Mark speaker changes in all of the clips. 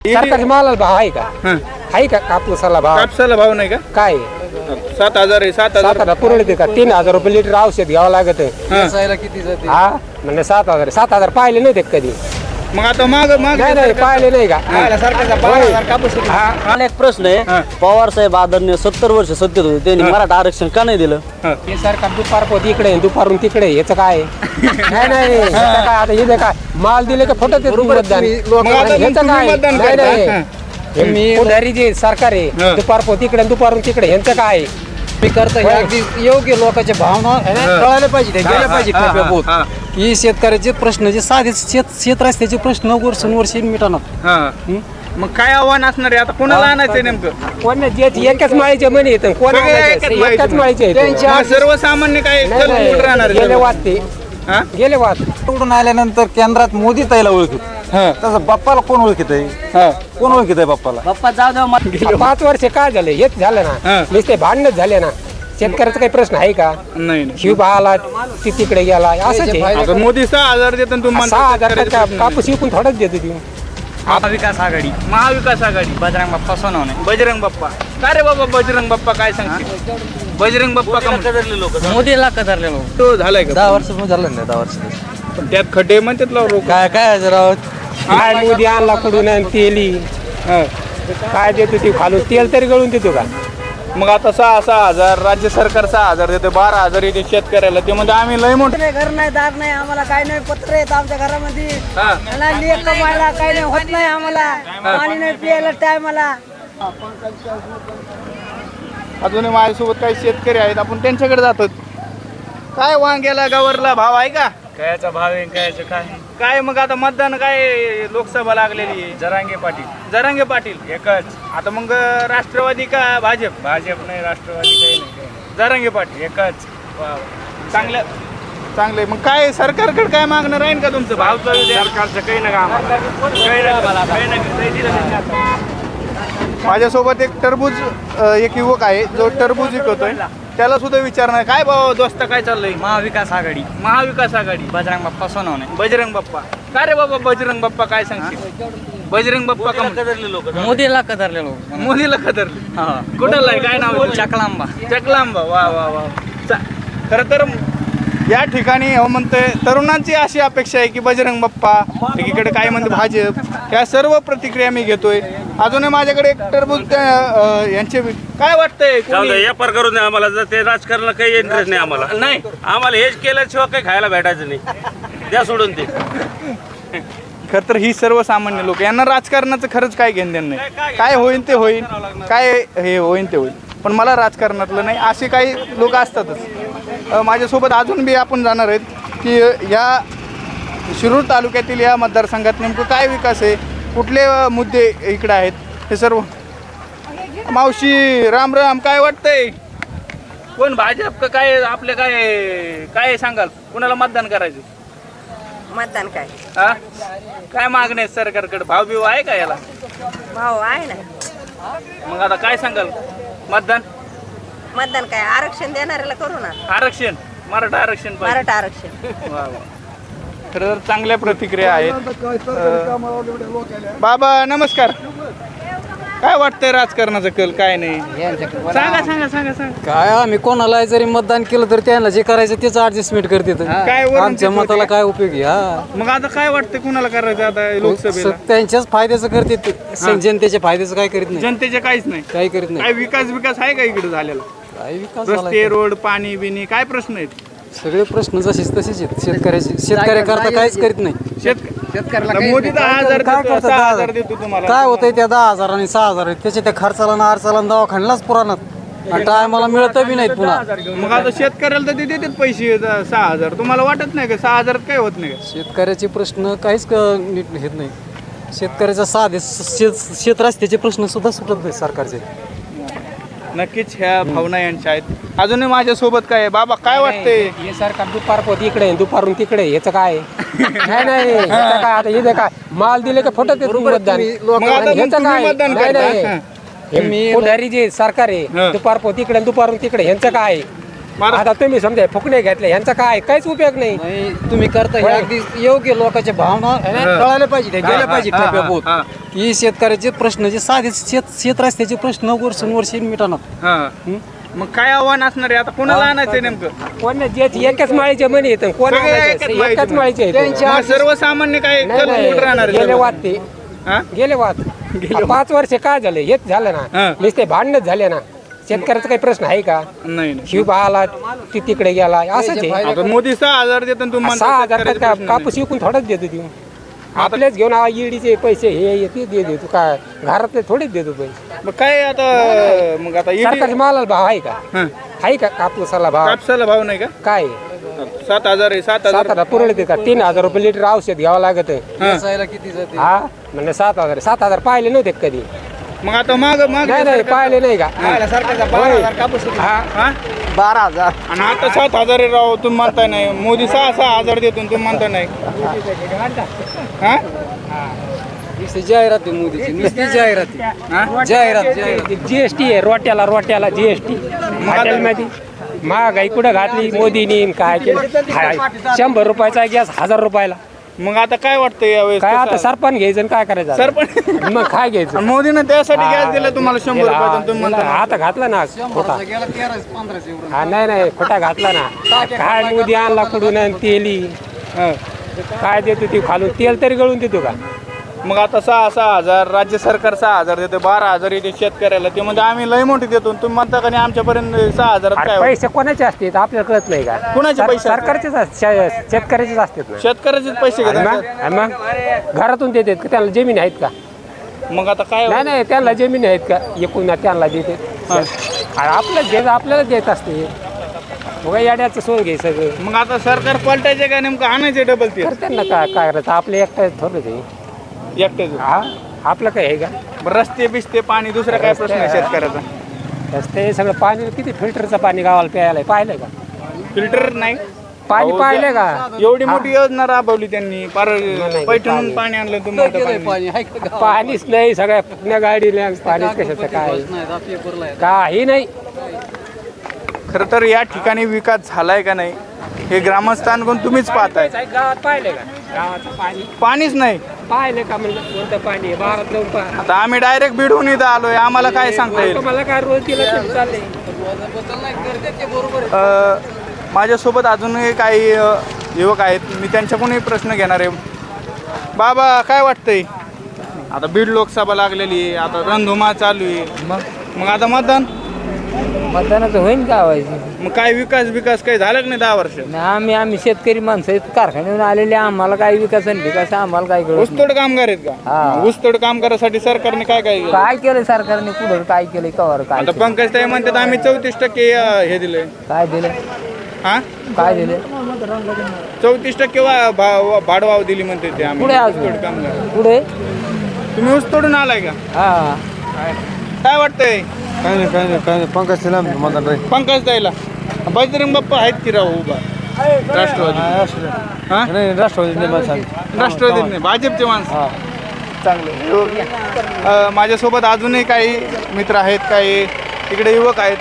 Speaker 1: सरकारी मालाला भाव आहे का? आहे का कापूसाला भाव?
Speaker 2: कापसाला भाव नाही का?
Speaker 1: काय
Speaker 2: 7,000 आहे. 7,000
Speaker 1: पुरवते का? 3,000 रुपये लिटर औषध घ्यावं लागत.
Speaker 3: किती जाते?
Speaker 1: हा म्हणजे 7,000 7,000 पाहिले नाही ते कधी.
Speaker 2: मग आता माग
Speaker 1: नाही पाहिले नाही का?
Speaker 3: मला एक प्रश्न आहे, पवार साहेब आदरणीय 70 वर्ष सत्तेत होते, त्यांनी मराठा आरक्षण का नाही दिलं?
Speaker 1: हे सरकार दुपारपोत इकडे दुपारून तिकडे याचं काय? नाही याचं काय आता हे काय माल दिले का फटत मतदान याचं काय? नाही पुढारी जे सरकार आहे दुपारपोत इकडे दुपारून तिकडे यांचं काय?
Speaker 3: मी करता हे अगदी योग्य लोकांच्या भावना कळायला पाहिजे, गेल्या पाहिजे खरं की शेतकऱ्याचे प्रश्न जे साधे शेत रस्त्याचे प्रश्न वर्षानुवर्ष मिटणार.
Speaker 2: मग काय आव्हान असणार आहे आता? कोणाला आणायचंय नेमकं?
Speaker 1: कोण एकाच माळीचे म्हणे येतं कोण एकाच माळीचे
Speaker 2: सर्वसामान्य काय राहणार
Speaker 1: गेले वाद
Speaker 3: निवडून आल्यानंतर केंद्रात मोदी ताईला ओळखीत, तसं बाप्पाला कोण ओळखीत आहे? कोण ओळखीत आहे बाप्पाला? बाप्पा जाऊ द्या.
Speaker 1: 5 वर्ष काय झाले? हेच झालं ना, नुसते भांडणच झाले ना. शेतकऱ्याचा काही प्रश्न आहे का?
Speaker 2: नाही.
Speaker 1: शिव आला ती तिकडे गेला असं.
Speaker 2: मोदी 6,000 देतो तुम्हाला.
Speaker 1: 6,000 कापूस विकून थोडंच देतो ती.
Speaker 2: महाविकास आघाडी
Speaker 3: बजरंग बाप्पा सोनवणे.
Speaker 2: बजरंग बाप्पा. काय रे बाबा बजरंग बाप्पा काय सांगते? बजरंग बाप्पा का
Speaker 3: लोक मोदीला कदरले लोक.
Speaker 2: तो झालाय का?
Speaker 3: 10 वर्ष झालं नाही. 10 वर्ष
Speaker 2: पण त्यात खड्डे म्हणतात लोक.
Speaker 3: काय जरा
Speaker 1: काय मोदी आणला कडून तेली काय देतो ती खालून तेल तरी गळून देतो का?
Speaker 2: मग आता 6,000 राज्य सरकार 6,000 देते, 12,000 येते शेतकऱ्याला. ते म्हणजे आम्ही लय मोठे
Speaker 4: घर नाही, दार नाही, आम्हाला काय नाही, पत्र येत आमच्या घरामध्ये. लेख कमायला काय नाही होत नाही, आम्हाला पाणी नाही प्यायला टायमाला.
Speaker 2: अजूनही माझ्यासोबत काही शेतकरी आहेत, आपण त्यांच्याकडे जातो. काय वांग्याला गवरला भाव आहे का?
Speaker 3: कायचा भाव आहे, कायचं काय
Speaker 2: काय मग आता मतदान काय लोकसभा लागलेली आहे? जरांगे पाटील एकच. आता मग राष्ट्रवादी का भाजप?
Speaker 3: नाही, राष्ट्रवादी काही नाही.
Speaker 2: जरांगे पाटील
Speaker 3: एकच.
Speaker 2: चांगले. मग काय सरकारकडे काय मागणं राहील का तुमचं? भाव
Speaker 3: सरकारचं काही नाही.
Speaker 2: माझ्यासोबत एक युवक आहे जो टरबूज विकतोय. त्याला सुद्धा विचारणार काय भाऊ दोस्त काय चाललंय?
Speaker 3: महाविकास आघाडी.
Speaker 2: बजरंग बाप्पा सोनवणे. बजरंग बाप्पा. काय रे बाबा बजरंग बाप्पा काय सांगतील? बजरंग बाप्पा का
Speaker 3: लोक मोदीला कदरले लोक.
Speaker 2: मोदीला कदरले. कुठला आहे? काय नाव? चकलांबा. वा. खरं तर या ठिकाणी म्हणतोय तरुणांची अशी अपेक्षा आहे की बजरंग बाप्पा, एकीकडे काय म्हणते भाजप, ह्या सर्व प्रतिक्रिया मी घेतोय. अजूनही माझ्याकडे एक टरबूज यांचे काय वाटतंय?
Speaker 5: व्यापार करून द्या आम्हाला. जर ते राजकारणाला काही इंटरेस्ट नाही आम्हाला.
Speaker 2: नाही
Speaker 5: आम्हाला हेच केल्याशिवाय काही खायला भेटायचं नाही. द्या सोडून ते.
Speaker 2: खरं तर ही सर्वसामान्य लोक, यांना राजकारणाचं खरंच काय घेणं देणं नाही. काय होईल ते होईल, काय हे होईल ते होईल, पण मला राजकारणातलं नाही, असे काही लोक असतातच. माझ्यासोबत अजून बी आपण जाणार आहेत की या शिरूर तालुक्यातील या मतदारसंघात नेमकं काय विकास आहे, कुठले मुद्दे इकडे आहेत, हे सर्व. मावशी राम राम. काय वाटतंय? कोण भाजप का काय? आपले काय सांगाल? कुणाला मतदान करायचं?
Speaker 4: मतदान काय
Speaker 2: काय मागणे आहेत सरकारकडे? भाव बिव आहे का याला?
Speaker 4: भाऊ आहे ना.
Speaker 2: मग आता काय सांगाल? मतदान
Speaker 4: काय आरक्षण देणाऱ्याला करू ना.
Speaker 2: आरक्षण, मराठा आरक्षण पाहिजे.
Speaker 4: मराठा आरक्षण.
Speaker 2: वा. खरं तर चांगल्या प्रतिक्रिया आहेत. बाबा नमस्कार. काय वाटतंय राजकारणाचं कल काय नाही? सांगा.
Speaker 3: काय आम्ही कोणाला जरी मतदान केलं तर त्यांना जे करायचं त्याचं ऍडजस्टमेंट करते.
Speaker 2: काय वरून
Speaker 3: आमच्या
Speaker 2: तेच
Speaker 3: मताला
Speaker 2: होते?
Speaker 3: काय उपयोगी?
Speaker 2: मग आता काय वाटतंय कुणाला करायचं आता लोकसभेला?
Speaker 3: त्यांच्याच फायद्याचं करते, जनतेच्या फायद्याचं काय करीत नाही.
Speaker 2: जनतेचे काहीच नाही.
Speaker 3: काही करीत नाही.
Speaker 2: काय विकास आहे का इकडे झालेला?
Speaker 3: काय विकास
Speaker 2: रस्ते, रोड, पाणी बिनी काय प्रश्न आहेत?
Speaker 3: सगळे प्रश्न जसेच तसेच आहेत. शेतकऱ्याकरता काहीच करीत नाही.
Speaker 2: मोदी 10,000 देतो, 6,000 देतो तुम्हाला.
Speaker 3: काय होतंय त्या 10,000 आणि 6,000 त्याच्या त्या खर्चाला ना अडचाला दवाखान्यालाच पुराणात आणि टायमाला मिळत बी नाहीत पुन्हा.
Speaker 2: मग आता शेतकऱ्याला तर ते देतात पैसे 6,000. तुम्हाला वाटत नाही का 6,000 काय होत नाही?
Speaker 3: शेतकऱ्याचे प्रश्न काहीच नीट घेत नाही. शेतकऱ्याचा साधे शेत रस्त्याचे प्रश्न सुद्धा सुटत नाही सरकारचे.
Speaker 2: नक्कीच ह्या भावना यांच्या आहेत. अजूनही माझ्यासोबत काय आहे? बाबा काय वाटतंय?
Speaker 1: हे सरकार दुपारपोत इकडे दुपारून तिकडे याचं काय? नाही याचं काय आता हे काय माल दिले का फटत मतदान
Speaker 2: मग आता
Speaker 1: याचं
Speaker 2: तुम्ही
Speaker 1: काय?
Speaker 2: मतदान करता?
Speaker 1: पुढारी जे सरकार आहे दुपारपोत इकडे दुपारून तिकडे यांचं काय? आता तुम्ही समजा फुकणे घेतले यांचा काय काहीच उपयोग नाही.
Speaker 3: नाही तुम्ही करता हे अगदी योग्य लोकांच्या भावना कळायला पाहिजे त्या गेल्या पाहिजे टप्प्याभूत की शेतकऱ्याचे प्रश्न जे साधे शेत रस्त्याचे प्रश्न वर्षानुवर्षे मिटणार.
Speaker 2: मग काय आव्हान असणार आहे आता कोणाला आणायचंय नेमकं?
Speaker 1: कोण एकाच माळीचे म्हणे येतं कोण
Speaker 2: सगळे
Speaker 1: आणायचं?
Speaker 2: एकाच माळीचे
Speaker 1: एकाच माळीचे आहेत.
Speaker 2: मग सर्वसामान्य काय
Speaker 1: नाही,
Speaker 2: करून
Speaker 1: नाही,
Speaker 2: कुठं राहणार आहे
Speaker 1: गेले
Speaker 2: सर्व?
Speaker 1: वाद ते
Speaker 2: हा?
Speaker 1: गेले वाद 5 वर्ष काय झाले हेच झालं
Speaker 2: हा.
Speaker 1: ना नुसते भांडणच झाले ना. शेतकऱ्याचा काही प्रश्न आहे का?
Speaker 2: नाही
Speaker 1: शिव आला ती तिकडे गेला असंच आहे.
Speaker 2: आता मोदी 6,000 देतात तुम्ही म्हणता
Speaker 1: 6,000
Speaker 2: शेतकऱ्याचे
Speaker 1: का
Speaker 2: प्रश्न
Speaker 1: कापूस विकून थोडंच देतो देऊ आपलेच घेऊन ईडीचे पैसे हे ते देतो काय घरातले थोडेच देतो पैसे.
Speaker 2: नाही. मग काय आता मग आता ED
Speaker 1: सरकारच्या मालाला भाव आहे का?
Speaker 2: हं.
Speaker 1: आहे का कापूसाला भाव
Speaker 2: कापसाला भाव नाही का?
Speaker 1: काय
Speaker 2: 7,000 आहे 7,000.
Speaker 1: 7,000 पुरवते का? 3,000 रुपये लिटर औषध घ्यावं लागत
Speaker 3: वेचायला किती जाते
Speaker 1: हा म्हणजे 7,000 पाहिले नव्हते का कधी?
Speaker 2: मग आता माग
Speaker 1: नाही नाही पाहिले नाही का?
Speaker 2: सरकारचा
Speaker 1: होय.
Speaker 2: 12,000 कापूस
Speaker 1: हा
Speaker 2: 12,000 आणि आता 7,000 आहे राव तुम्ही म्हणताय नाही. मोदी 6,000 देतो तुम्ही म्हणताय नाही. हा?
Speaker 3: नुसती जाहिरात आहे मोदीची नुसती जाहिरात
Speaker 2: हा?
Speaker 3: जाहिरात
Speaker 1: जीएसटी आहे रोट्याला जीएसटी हॉटेलमध्ये महागाई कुठं घातली मोदीनी काय केलं 100 रुपयाचा गॅस 1,000 रुपयाला.
Speaker 2: मग आता काय वाटतं यावेळेस
Speaker 1: काय आता
Speaker 2: कसं?
Speaker 1: सरपण घ्यायचं आणि काय करायचं?
Speaker 2: सरपण
Speaker 1: मग काय घ्यायचं?
Speaker 2: आणि मोदीनं त्यासाठी गॅस दिला तुम्हाला 100 रुपयाचा आणि तुम्ही म्हणता
Speaker 1: आता घातला ना खोटा.
Speaker 3: गेला 13-15 एवढं
Speaker 1: हा नाही खोटा घातला ना. काय मोदी आणला कुठून आणि तेली
Speaker 2: हं.
Speaker 1: काय देतो ती खालून तेल तरी गळून देतो का?
Speaker 2: मग आता 6,000 राज्य सरकार 6,000 देते 12,000 येते शेतकऱ्याला ते म्हणजे आम्ही लय मोठी देतो तुम्ही म्हणता का नाही आमच्यापर्यंत 6,000
Speaker 1: अरे
Speaker 2: काय होईल?
Speaker 1: पैसे कोणाचे असतात आपल्याला कळत नाही का?
Speaker 2: कोणाचे पैसे असतात?
Speaker 1: सरकारचेच शेतकऱ्याचेच असतात ना.
Speaker 2: शेतकऱ्याचेच पैसे
Speaker 1: आणि
Speaker 2: घेतात
Speaker 1: मग घरातून देतात का? त्यांना जमीन आहेत का?
Speaker 2: मग आता काय
Speaker 1: नाही नाही त्यांना जमीन आहेत का? एकूण त्यांना देते आपल्याला देत असते. बघा याड्याचं सोन घे सगळं.
Speaker 2: मग आता सरकार पलटायचे का नेमकं आणायचे डबल ते
Speaker 1: तर त्यांना काय करायचं आपले एकटा थोडं ते
Speaker 2: एकटेच
Speaker 1: हा आपलं काय आहे का?
Speaker 2: बरं, रस्ते बिस्ते पाणी दुसरा काय प्रश्न आहे शेतकऱ्याचा?
Speaker 1: रस्ते सगळं पाणी किती फिल्टरचं पाणी गावाला प्यायला पाहिलंय का?
Speaker 2: फिल्टर नाही
Speaker 1: पाणी
Speaker 2: अहो,
Speaker 1: पाहिलंय का?
Speaker 2: एवढी मोठी योजना राबवली त्यांनी पार
Speaker 1: नाही,
Speaker 2: पैठणून पाणी आणलं तुम्ही म्हणता
Speaker 3: गेलंय
Speaker 2: पाणी.
Speaker 3: पाणी आहे का गावात?
Speaker 1: पाणीच नाही सगळ्या पुण्या गाडीला पाणीच कशाचं काय
Speaker 3: नाही आता पेपरला आहे.
Speaker 1: काही नाही.
Speaker 2: खरं तर या ठिकाणी विकास झालाय का नाही हे ग्रामस्थांकडून तुम्हीच पाहताय.
Speaker 1: गावात पाहिलंय का? गावाचं पाणी
Speaker 2: पाणीच नाही.
Speaker 1: पाहिलं का म्हणलं कोणतं पाणी आहे? बारात जाऊन पहा.
Speaker 2: आता आम्ही डायरेक्ट बिडून इथं आलोय आम्हाला काय सांगता येईल?
Speaker 1: मला काय रोज दिलं तरी चाललंय.
Speaker 3: नाही करते ते बरोबर आहे.
Speaker 2: माझ्यासोबत अजूनही काही युवक आहेत मी त्यांच्याकडूनही प्रश्न घेणार आहे. बाबा काय वाटतंय आता बीड लोकसभा लागलेली आहे आता रणधुमा चालू आहे मग आता
Speaker 6: मतदानाचं होईन का व्हायचं?
Speaker 2: मग काय विकास काही झालं का नाही 10 वर्ष?
Speaker 6: आम्ही शेतकरी माणसं आहेत, कारखान्यावरून आलेले आम्हाला काय विकास आणि विकास आम्हाला काय कळत नाही.
Speaker 2: ऊसतोड कामगार आहेत का?
Speaker 6: हा.
Speaker 2: ऊसतोड कामगारासाठी सरकारने काय काय केलं?
Speaker 6: काय केलंय सरकारने पुढं काय केलंय कवर काय
Speaker 2: आता
Speaker 6: केलंय?
Speaker 2: पंकज ताई म्हणतात आम्ही 34% हे दिले
Speaker 6: काय दिलं
Speaker 2: हा
Speaker 6: काय दिलं
Speaker 2: 34% भाडवाव दिली म्हणते ते आम्ही
Speaker 6: पुढे अजून?
Speaker 2: ऊसतोड कामगार.
Speaker 6: पुढे
Speaker 2: तुम्ही ऊसतोडून आलाय का?
Speaker 6: हा
Speaker 2: काय वाटतंय
Speaker 7: काय नाही पंकज तिला मतदान राहील
Speaker 2: पंकज ताईला? बजरंग बाप्पा आहेत की राव उभा राष्ट्रवादी हा
Speaker 7: नाही राष्ट्रवादी नाही माणसं
Speaker 2: राष्ट्रवादीत नाही भाजपचे माणसं चांगले. माझ्यासोबत अजूनही काही मित्र आहेत काही इकडे युवक आहेत.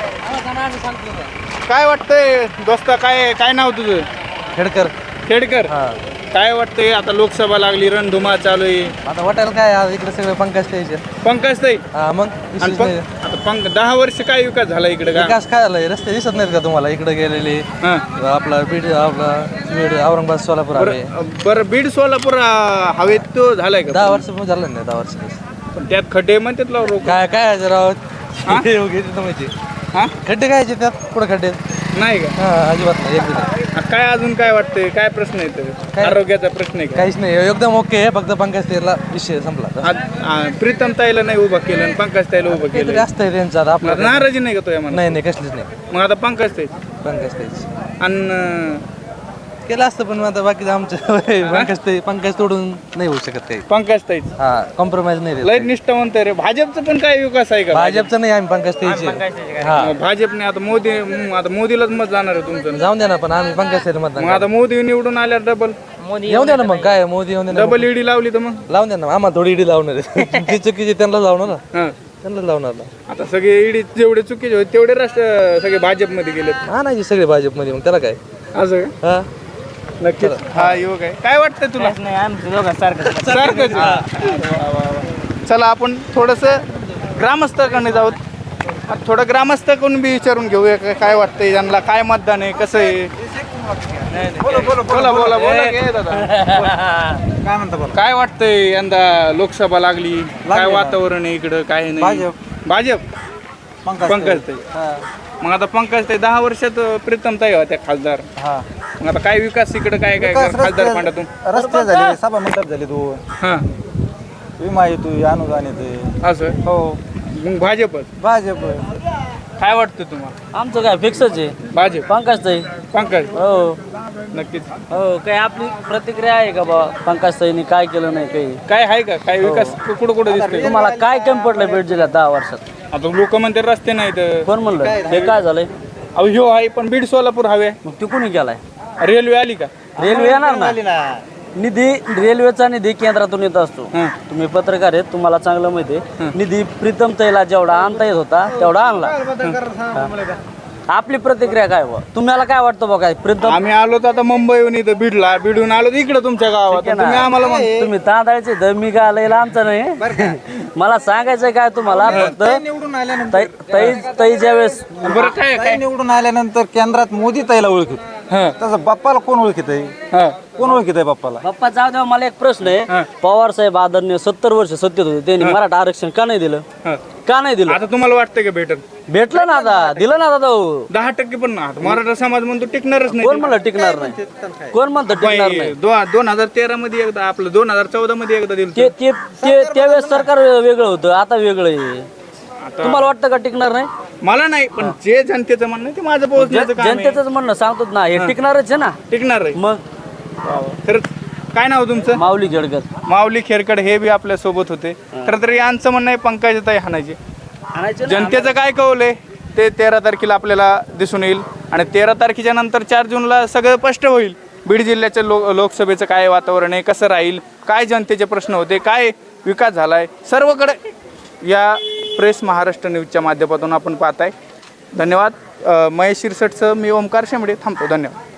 Speaker 2: काय वाटतंय दोस्ता काय नाव तुझं?
Speaker 7: खेडकर
Speaker 2: खेडकर. काय वाटतंय आता लोकसभा लागली रणधुमा चालू आहे
Speaker 7: आता वाटायला काय आज इकडे सगळे पंकज त्याचे
Speaker 2: पंकज ताई
Speaker 7: हा मग
Speaker 2: आणि आता 10 वर्ष काय विकास झाला इकडे का?
Speaker 7: विकास काय झालाय रस्ते दिसत नाहीत का तुम्हाला इकडे गेलेले
Speaker 2: हा.
Speaker 7: आपला बीड औरंगाबाद सोलापूर आहे
Speaker 2: बरं बीड सोलापूर हवेत तो झालाय का?
Speaker 7: 10 वर्ष पण झालं नाही 10 वर्ष
Speaker 2: पण त्यात खड्डे म्हणतात लाव लोक.
Speaker 7: काय राव
Speaker 2: हा?
Speaker 7: माहिती
Speaker 2: हा
Speaker 7: खड्डे काय त्यात कुठं खड्डे
Speaker 2: नाही का?
Speaker 7: हा अजिबात नाही एक बी नाही
Speaker 2: काय अजून काय वाटतंय काय प्रश्न आहे
Speaker 7: काय?
Speaker 2: आरोग्याचा प्रश्न आहे का?
Speaker 7: काहीच नाही एकदम ओके आहे फक्त पंकज तेला विषय संपला
Speaker 2: प्रीतम ताईला नाही उभा केलं आणि पंकज ताईला उभं
Speaker 7: काहीतरी
Speaker 2: केलं
Speaker 7: असतंय त्यांचं आता आपलं
Speaker 2: नाराजी नाही का तो यामध्ये?
Speaker 7: नाही नाही कसलीच नाही
Speaker 2: मग आता पंकज ताई
Speaker 7: पंकज तेच
Speaker 2: आणि
Speaker 7: केलं असतं पण आता बाकी आमचं पंकज तोडून नाही होऊ शकत काही
Speaker 2: पंकज ताईच
Speaker 7: हा कॉम्प्रोमाइज नाही देत
Speaker 2: लय
Speaker 7: काही.
Speaker 2: निष्ठावंत आहे रे. भाजपचं पण काय विकास आहे का?
Speaker 7: भाजपचं नाही आम्ही पंकज तेचे हा
Speaker 2: भाजपने आता मोदीलाच मत जाणार आहे तुमचं.
Speaker 7: जाऊन द्या ना पण आम्ही पंकज तेच मतदान
Speaker 2: मग आता मोदी निवडून आल्यावर डबल
Speaker 7: करू. येऊन द्या ना मग काय मोदी येऊन द्या ना
Speaker 2: डबल ईडी लावली तर मग
Speaker 7: लावून द्या ना आम्हाला थोडी इडी लावणार आहे. जी चुकीची त्यांना लावणार ना
Speaker 2: हा.
Speaker 7: त्यांनाच लावणार ना.
Speaker 2: आता सगळे ईडी जेवढे चुकीचे होते तेवढे सगळे भाजपमध्ये गेलेत
Speaker 7: हा नाही सगळे भाजपमध्ये, मग त्याला काय.
Speaker 2: असं का?
Speaker 7: हा
Speaker 2: नक्कीच हा युवक आहे. काय वाटतं तुला? सारखंच. वा, वा, वा. चला आपण थोडस ग्रामस्थाकडे जाऊ. थोडं ग्रामस्थाकडून बी विचारून घेऊया काय वाटतंय त्यांना, काय मतदान आहे, कसं आहे. बोला बोला बोला बोला घे दादा.
Speaker 3: काय म्हणता बोला.
Speaker 2: काय वाटतंय यंदा लोकसभा लागली, काय वातावरण आहे इकडं, काय नाही. भाजप पंकजताई. मग आता पंकजताई 10 वर्षात प्रीतमताई होत्या खासदार. मग आता काय विकास इकडे काय काय खासदार फंडातून
Speaker 3: रस्ते झाले, सभा मंडप झाले 2,
Speaker 2: हा
Speaker 3: विमा येतो, अनुदान येते.
Speaker 2: असं
Speaker 3: हो
Speaker 2: मग भाजपच.
Speaker 3: भाजप.
Speaker 2: काय वाटतं तुम्हाला?
Speaker 6: आमचं काय फिक्सच आहे
Speaker 2: भाजप
Speaker 6: पंकजताई.
Speaker 2: पंकज
Speaker 6: हो
Speaker 2: नक्कीच.
Speaker 6: हो काय आपली प्रतिक्रिया आहे का बा पंकजताईंनी काय केलं नाही काही?
Speaker 2: काय आहे का काय विकास कुठं कुठं दिसतोय?
Speaker 6: तुम्हाला काय कमी पडलं बीड जिल्ह्यात 10 वर्षात?
Speaker 2: आता लोक म्हणते रस्ते नाहीत.
Speaker 6: कोण म्हणलं हे काय झालंय?
Speaker 2: अहो ह्यो आहे पण बीड सोलापूर हवे.
Speaker 6: मग ती कुणी केलाय?
Speaker 2: रेल्वे आली का?
Speaker 6: रेल्वे येणार ना. निधी रेल्वेचा निधी केंद्रातून येत असतो. तुम्ही पत्रकार आहेत, तुम्हाला चांगलं माहिती आहे. निधी प्रीतमताईला जेवढा आणता येत होता तेवढा आणला. आपली प्रतिक्रिया काय बा? तुम्हाला काय वाटतं बघा प्रीतम?
Speaker 2: आम्ही आलो तर आता मुंबईहून इथं बीडला, बीडून आलो तर इकडे तुमच्या गावात. तुम्ही आम्हाला
Speaker 6: तुम्ही तांदळाचे तर मी काय लयला आमचं नाही. मला सांगायचं काय तुम्हाला फक्त
Speaker 3: निवडून आल्यानंतर
Speaker 6: ताई ज्यावेळेस
Speaker 2: बरं काय
Speaker 3: ताई निवडून आल्यानंतर केंद्रात मोदी ताईला ओळखीत. तसं बाप्पाला कोण ओळखीत आहे? कोण ओळखीत आहे बाप्पाला?
Speaker 6: बाप्पा जाऊ द्या. मला एक प्रश्न आहे. पवार साहेब आदरणीय 70 वर्ष सत्तेत होते, त्यांनी मराठा आरक्षण का नाही दिलं? का नाही दिलं?
Speaker 2: आता तुम्हाला वाटतंय का भेटल?
Speaker 6: भेटलं ना आता, दिलं ना आता.
Speaker 2: 10% पण ना. मराठा समाज म्हणतो टिकणारच
Speaker 6: कोण
Speaker 2: नाही.
Speaker 6: म्हणलं टिकणार नाही? कोण म्हणतं टिकणार नाही?
Speaker 2: 2013 मध्ये एकदा, आपलं 2014 मध्ये एकदा दिलं.
Speaker 6: त्यावेळेस सरकार वेगळं होतं, आता वेगळं आहे. तुम्हाला वाटतं का टिकणार नाही?
Speaker 2: मला नाही, पण जे जनतेचं म्हणणं आहे ते माझं पोहोचण्याचं काम आहे.
Speaker 6: जनतेच म्हणणं सांगतो ना, हे टिकणारच आहे ना.
Speaker 2: टिकणार आहे.
Speaker 6: मग
Speaker 2: खरंच. काय नाव तुमचं?
Speaker 6: माऊली जळगत.
Speaker 2: माऊली खेरकड हे बी आपल्या सोबत होते. खरं तर यांचं म्हणणं आहे पंकजताई हाणायचे. जनतेचं काय कौल आहे ते 13 तारखेला आपल्याला दिसून येईल. आणि 13 तारखेच्या नंतर 4 जूनला सगळं स्पष्ट होईल. बीड जिल्ह्याच्या लोकसभेचं काय वातावरण आहे, कसं राहील, काय जनतेचे प्रश्न होते, काय विकास झाला आहे, सर्वकडे या प्रेस महाराष्ट्र न्यूजच्या माध्यमातून आपण पाहताय. धन्यवाद. महेश शिरसटचं मी ओमकार शेंबडे थांबतो. धन्यवाद.